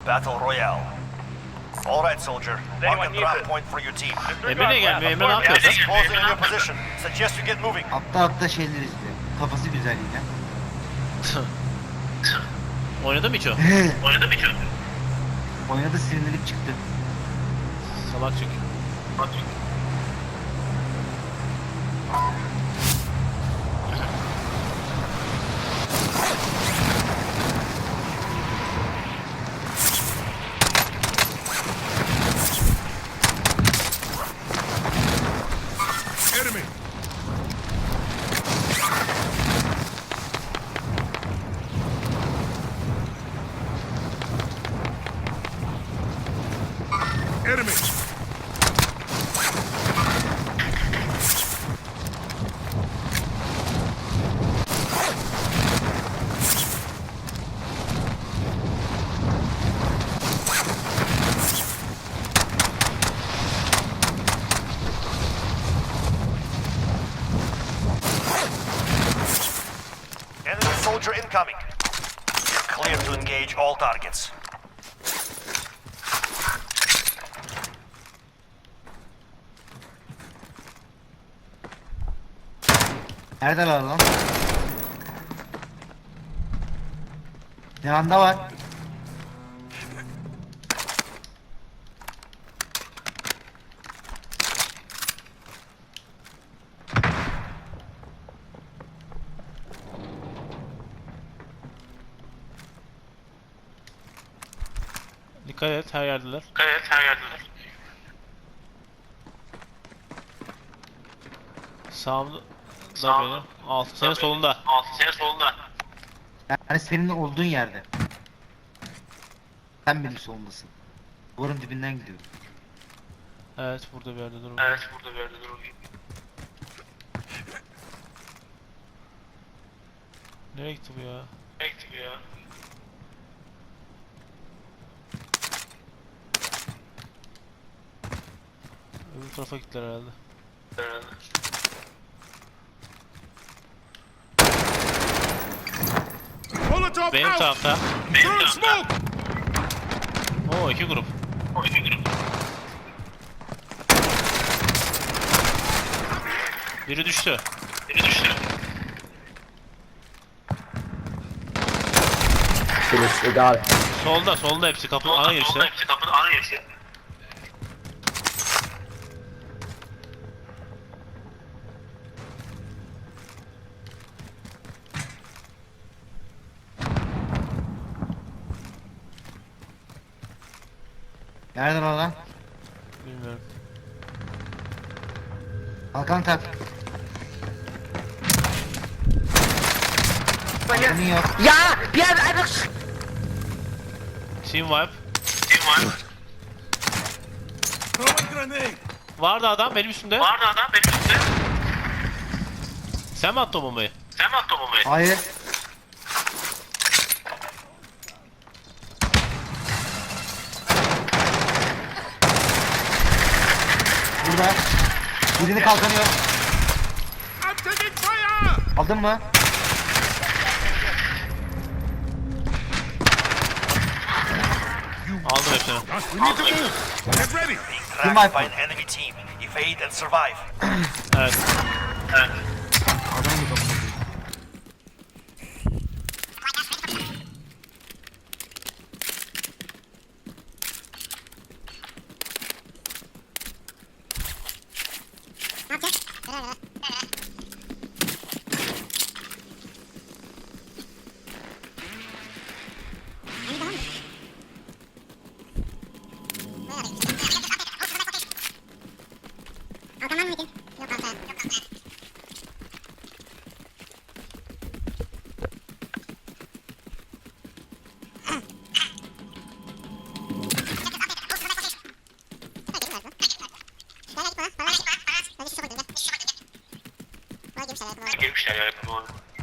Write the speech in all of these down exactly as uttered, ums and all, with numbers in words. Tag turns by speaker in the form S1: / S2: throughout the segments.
S1: battle royale. All right, soldier. Mark a drop point for your team.
S2: Emre ne gelmiyor? Emre ne yapıyor?
S1: Gas is closing in your position. Suggest you get moving.
S3: Atla atla şeyler izliyor. Kafası güzel yine.
S2: Oynadı mı hiç o?
S4: Oynadı mı hiç o?
S3: Oynadı, sinirlenip çıktı.
S2: Salak çünkü.
S4: Bak çünkü.
S5: Enemy! Enemy!
S1: Enemy soldier incoming. You're clear to engage all targets.
S3: Neredeler lan? Yanında var.
S2: Dikkat et, her yerdeler.
S4: Evet, her yerdeler.
S2: Sağımda da
S4: Sağımda.
S2: benim. Altı. Senin solunda.
S4: Altı senin solunda.
S3: Yani senin olduğun yerde. Sen benim solundasın. Duvarın dibinden gidiyor.
S2: Evet, burada bir yerde dur.
S4: Evet, burada bir yerde durur.
S2: Nereye gitti bu ya?
S4: Bekle ya.
S2: Öbür tarafa gittiler herhalde.
S4: Herhalde.
S5: Molotov
S2: Benim
S5: out!
S2: tarafta.
S5: Throw smoke!
S2: Oo, iki grup.
S4: O iki grup.
S2: Biri düştü.
S4: Biri düştü.
S6: Finish, egal.
S2: Solda, solda hepsi kapının ana
S4: Solda
S2: girişte.
S4: hepsi kapının ana girişte.
S3: Nereden o lan?
S2: Bilmiyorum.
S3: Kalkan tak. Kalkanın yok.
S6: Ja, wir haben einfach...
S2: Team wipe.
S4: Kim var?
S5: Throw a grenade!
S2: Vardı adam benim üstümde.
S4: Vardı adam benim üstümde.
S2: Sen mi attın o bombayı?
S4: Sen mi attın o bombayı?
S3: Hayır. Burada. Birini kalkanı yok.
S5: I'm taking fire!
S3: Aldın mı?
S2: Aldım hepsini.
S5: We need to move! Get ready!
S1: Being
S3: Team
S1: tracked by
S3: wipe.
S1: an enemy team. Evade and survive.
S2: Evet.
S4: Evet.
S3: Adam yok.
S4: Girmişler ya yapımı.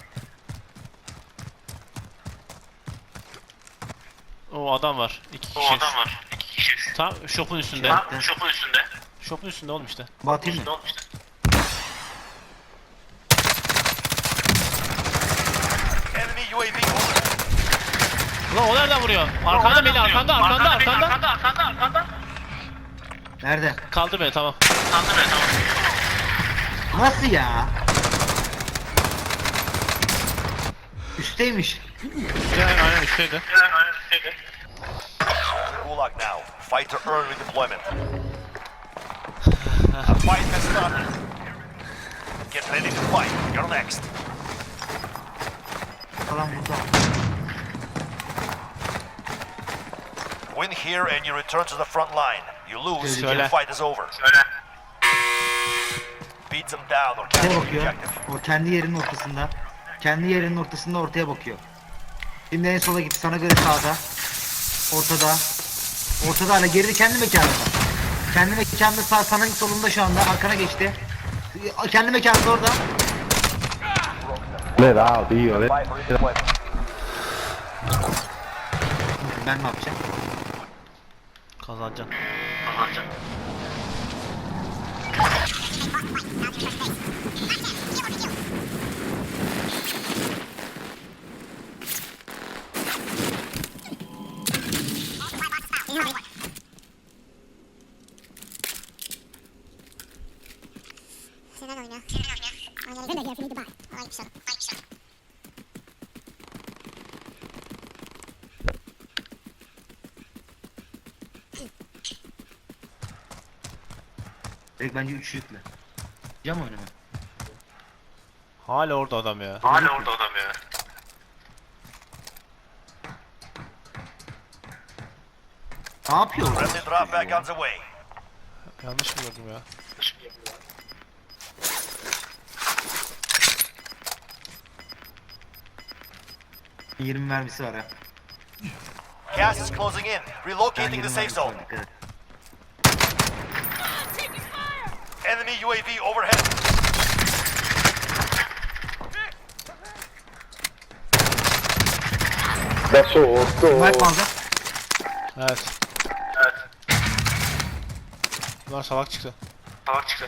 S2: O adam var. İki
S4: O
S2: kişi.
S4: adam var. İki kişi.
S2: Tam shop'un üstünde.
S4: Tam şopun üstünde.
S2: Shop'un üstünde oğlum işte.
S3: Batayım mı?
S4: Ne olmuştu?
S1: Enemy U A V over.
S2: Ulan o nereden vuruyor? Arkanda beni, arkanda, arkanda, arkanda.
S4: Arkanda, arkanda, arkanda.
S3: Nerede?
S2: Kaldı beni, tamam.
S4: Kaldı be, tamam.
S3: Nasıl ya? Üstteymiş.
S2: Üstte, aynen üstteydi.
S4: Aynen, aynen, üstteydi.
S1: Gulag now. Fight to earn redeployment. The fight has started. Get ready to fight. You're next.
S3: Falan burada.
S1: Win here and you return to the front line. You lose,
S2: Söyle.
S1: the fight is over.
S4: Söyle.
S1: Beat them down or
S3: Ortaya
S1: capture the
S3: bakıyor.
S1: objective.
S3: O kendi yerinin ortasında. Kendi yerinin ortasında ortaya bakıyor. Şimdi en sola gitti. Sana göre sağda. Ortada. Ortada hala geride kendi mekanında. Kendi mekanında sağ sana solunda şu anda. Arkana geçti. Kendi mekanında orada.
S6: Me da, tío. de-
S1: Fight for redeployment.
S3: Ben ne yapacağım?
S2: Kazanacaksın.
S4: Kazanacak.
S7: Senin oyna. Senin oyna. Oyna gel şunu bak. Ay bir şey. Ay bir şey.
S3: Direkt bence üç yükle. Cam oynama.
S2: Hala orada adam ya.
S4: Hala orada adam ya.
S3: Ne yapıyor orada?
S1: Friendly drop back on the way.
S2: Yanlış mı gördüm ya?
S3: yirmi mermisi var ha.
S1: Gas is closing in. Relocating the safe zone.
S3: Dikkat et.
S1: Enemy U A V overhead.
S6: Da sotto.
S3: Mark mı aldı?
S2: Evet.
S4: Evet.
S2: Bunlar salak çıktı.
S4: Salak çıktı.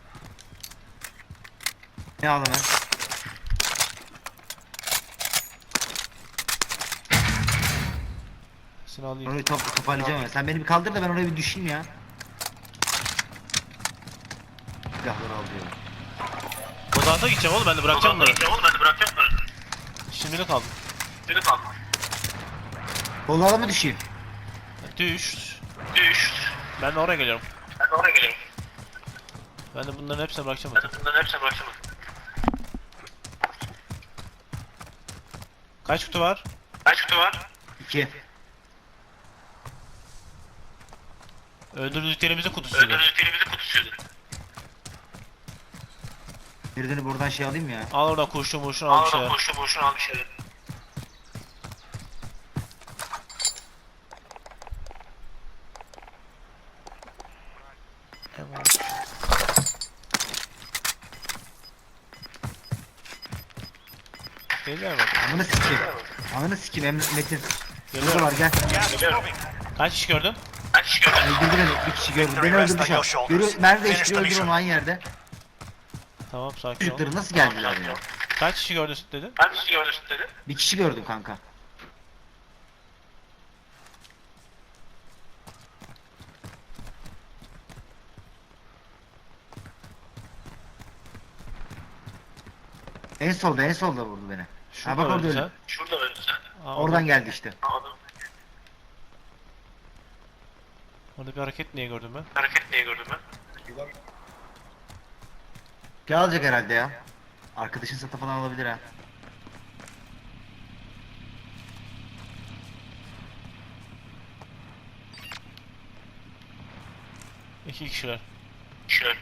S3: Ne aldım ben?
S2: Seni alayım.
S3: Orayı top, toparlayacağım ya. Sen beni bir kaldır da ben oraya bir düşeyim ya. Silahları al diyor.
S2: Bozanta gideceğim oğlum, ben de bırakacağım bunları.
S4: Oğlum ben de bırakacağım bunları.
S2: Şimdilik kaldım.
S4: Seni kaldı.
S3: Kollara mı düşeyim?
S2: Düş.
S4: Düş.
S2: Ben de oraya geliyorum.
S4: Ben de oraya geliyorum.
S2: Ben de bunların hepsini bırakacağım
S4: Ben
S2: zaten.
S4: de bunların hepsini bırakacağım.
S2: Kaç kutu var?
S4: Kaç kutu var?
S3: İki.
S2: Öldürdüklerimizin kutusuydu.
S4: Öldürdüklerimizin kutusuydu.
S3: Birini buradan şey alayım ya.
S2: Al oradan kurşun kurşun al
S4: Al
S2: bir
S4: oradan
S2: şeyler.
S4: boşuna boşuna al bir şeyler.
S2: Geliyor bak.
S3: Amına sikeyim. Amına sikeyim Emre Metin. Burada
S2: Geliyor.
S3: var gel.
S1: Gas is moving.
S2: Kaç kişi gördün?
S4: Kaç kişi gördün?
S3: Öldürdü beni. Bir kişi gördü. Beni öldürdü şu an. Yürü, Merve işte öldür onu aynı yerde.
S2: Tamam, sakin ol.
S3: Çocukları nasıl geldiler ya?
S2: Kaç kişi gördün dedin?
S4: Kaç kişi gördün dedi?
S3: Bir kişi gördüm kanka. En solda en solda vurdu beni. Ha bak orada
S2: öldün
S3: öldü.
S2: sen.
S4: Şurada öldü sen.
S2: Aa,
S3: Oradan geldi işte.
S4: Anladım.
S2: Orada bir hareket niye gördüm ben?
S4: Hareket diye gördüm ben.
S3: Şey alacak herhalde ya. Arkadaşın satı falan alabilir ha.
S2: İki kişiler.
S4: Şöyle.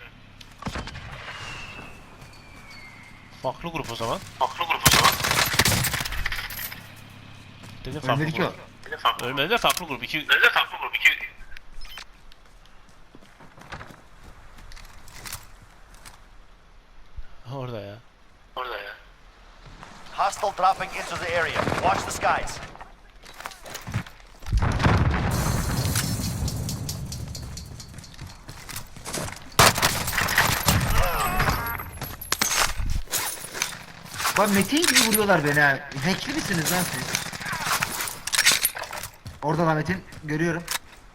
S2: Farklı grup o zaman.
S4: Farklı grup o zaman.
S2: Dedim farklı
S3: Ölmedi ki o.
S2: grup.
S4: Bir de farklı grup.
S2: Ölmedi de farklı grup. İki...
S4: Bir de farklı grup. İki...
S2: Orada ya.
S4: Orada ya.
S1: Hostile dropping into the area. Watch the skies.
S3: Bak Metin gibi vuruyorlar beni ha. Hackli misiniz lan siz? Orada da Metin görüyorum.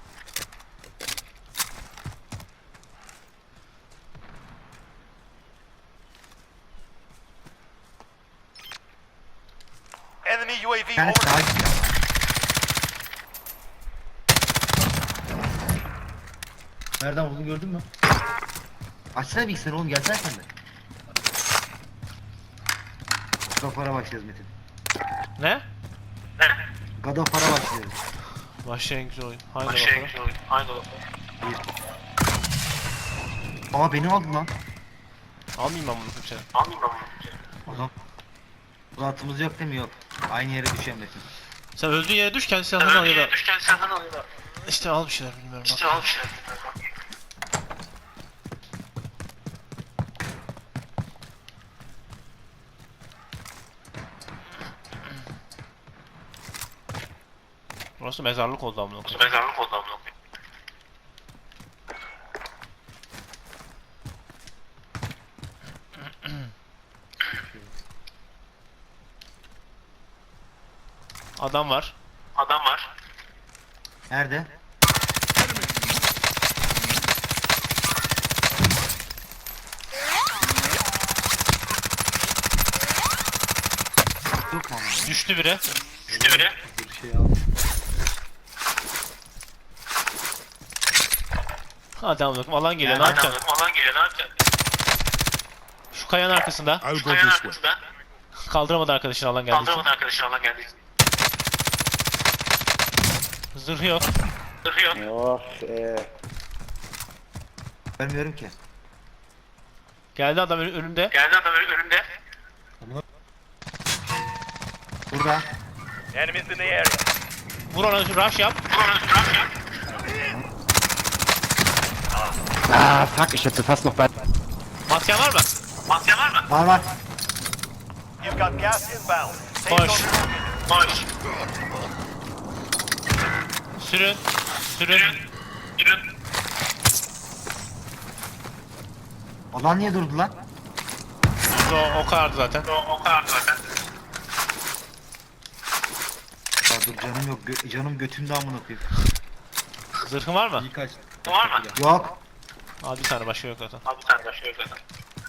S1: Enemy U A V
S3: Yani
S1: overhead.
S3: sağa gitti.
S8: Nereden buldun gördün mü?
S3: Açsana bilgisayarı oğlum, gelsene sen de. God of War'a başlıyoruz Metin.
S2: Ne?
S3: God of War'a başlıyoruz.
S2: Başlayın güzel oyun. Haydi
S4: Şey,
S2: bakalım.
S4: şey, aynı bakalım.
S3: Aa beni aldın lan.
S2: Almayayım ben bunu kimseye.
S4: Anlayayım ben bunu.
S3: Adam. Uzatımız yok değil mi? Yok. Aynı yere düşen Metin.
S2: Sen öldüğün yere düş kendi silahını al ya da.
S4: Düşken silahını al ya da.
S2: İşte al bir şeyler bilmiyorum. Bak.
S4: İşte al bir şey.
S2: Burası mezarlık oldu amına koyayım.
S4: Mezarlık oldu amına koyayım.
S2: Adam var.
S4: Adam var.
S3: Nerede? Yok mu ama?
S2: Düştü biri.
S4: Düştü biri.
S8: Bir şey al.
S2: Hadi amına koyayım. Alan geliyor. Ne
S4: Aynen,
S2: yapacaksın?
S4: alan geliyor, ne yapacaksın?
S2: Şu kayanın arkasında.
S5: I'll go
S4: Kayanın
S5: this way.
S4: arkasında.
S2: Kaldıramadı arkadaşını alan geldi.
S4: Kaldıramadı arkadaşın alan geldi.
S2: Zırhı yok.
S4: Zırhı yok.
S6: Oh eh.
S3: Görmüyorum ki.
S2: Geldi adam ön- önümde.
S4: Geldi adam önü- önünde.
S3: Burada.
S1: Enemies in the area.
S2: Vur ona rush yap.
S6: Ah, fuck, ich hätte fast noch bei.
S2: Masken var mı?
S4: Masya var mı?
S3: Var var.
S1: You've got gas inbound. Safe
S2: Koş.
S1: zone relocated.
S4: Boş.
S2: Sürün. Sürün.
S4: Yürün.
S3: Alan niye durdu lan?
S2: O, o kadardı zaten.
S4: O, o kadar zaten.
S3: Aa, dur canım yok. Gö- canım götümde amına koyayım.
S2: Zırhın var mı?
S8: İyi kaç.
S4: Var mı?
S3: Yok.
S2: Abi bir tane başka yok zaten.
S4: Abi sen de şöyle zaten.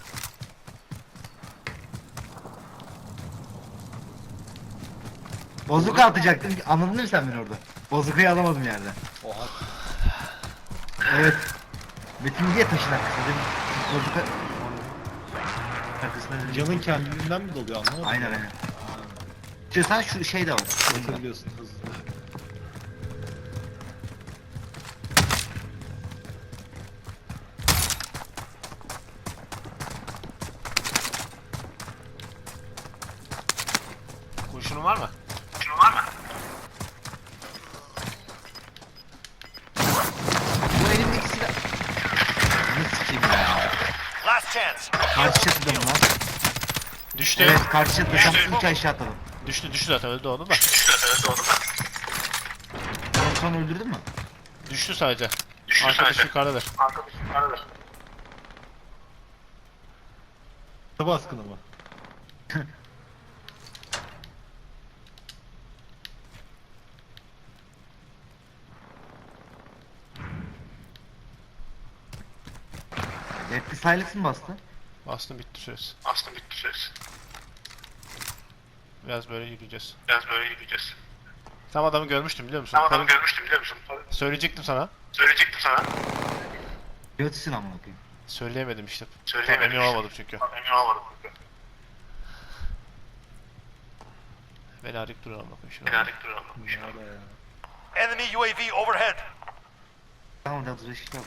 S3: Bozuka atacaktım. Anladın mı sen beni orada? Bozukayı alamadım yerden.
S8: Oha.
S3: Evet. Metin diye taşın arkasında değil mi? Bozuka... Arkasında değil mi?
S8: Canın kendiliğinden mi doluyor anlamadım.
S3: Aynen aynen. İstiyorsan şu şey de var.
S8: Atabiliyorsun hızlı.
S2: Kurşunun var mı?
S4: Şunun var mı?
S3: Bu elimdeki silah... Ne sikeyim ya?
S1: Last chance.
S3: Karşı çatıda mı lan?
S2: Düştü.
S3: Evet karşı çatıda. Tam üç aşağı atladım.
S2: Düştü düştü zaten öldü onu da.
S4: Şurada doğru mu?
S3: Onu sonra öldürdün mü?
S2: Düştü sadece.
S4: Düştü
S2: Arkadaş
S4: sadece.
S2: yukarıdadır.
S4: Arkadaş yukarıda.
S8: Baskını mı?
S3: Deadly Silence mi bastı?
S2: Bastım bitti süresi.
S4: Aslında bitti söz.
S2: Biraz böyle yürüyeceğiz.
S4: Biraz böyle yürüyeceğiz.
S2: Tam adamı görmüştüm biliyor musun?
S4: Tam adamı
S2: Tabii-
S4: görmüştüm biliyor musun?
S2: Söyleyecektim sana.
S4: Söyleyecektim sana.
S3: Götüsün amına koyayım.
S2: Söyleyemedim işte.
S4: Söyleyemedim
S2: Tam emin
S4: işte.
S2: olmadım çünkü.
S4: Emin olamadım.
S2: Beni arayıp duruyor ama bakın şuna.
S4: Helallik duralım.
S8: Nerede ya?
S1: Enemy U A V overhead.
S3: Tamam da dur işte.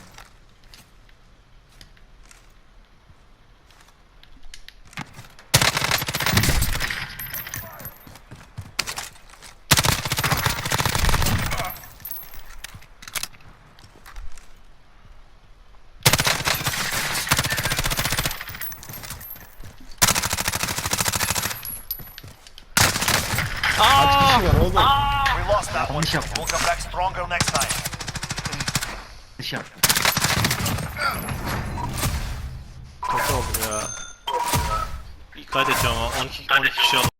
S2: Aa!
S8: Var oğlum.
S1: We lost that one.
S3: Yanlış yaptım.
S1: We'll come back stronger next time.
S3: Dış yaptım.
S2: Kötü oldum ya. İlk kaydedeceğim ama on iki on iki kişi aldım.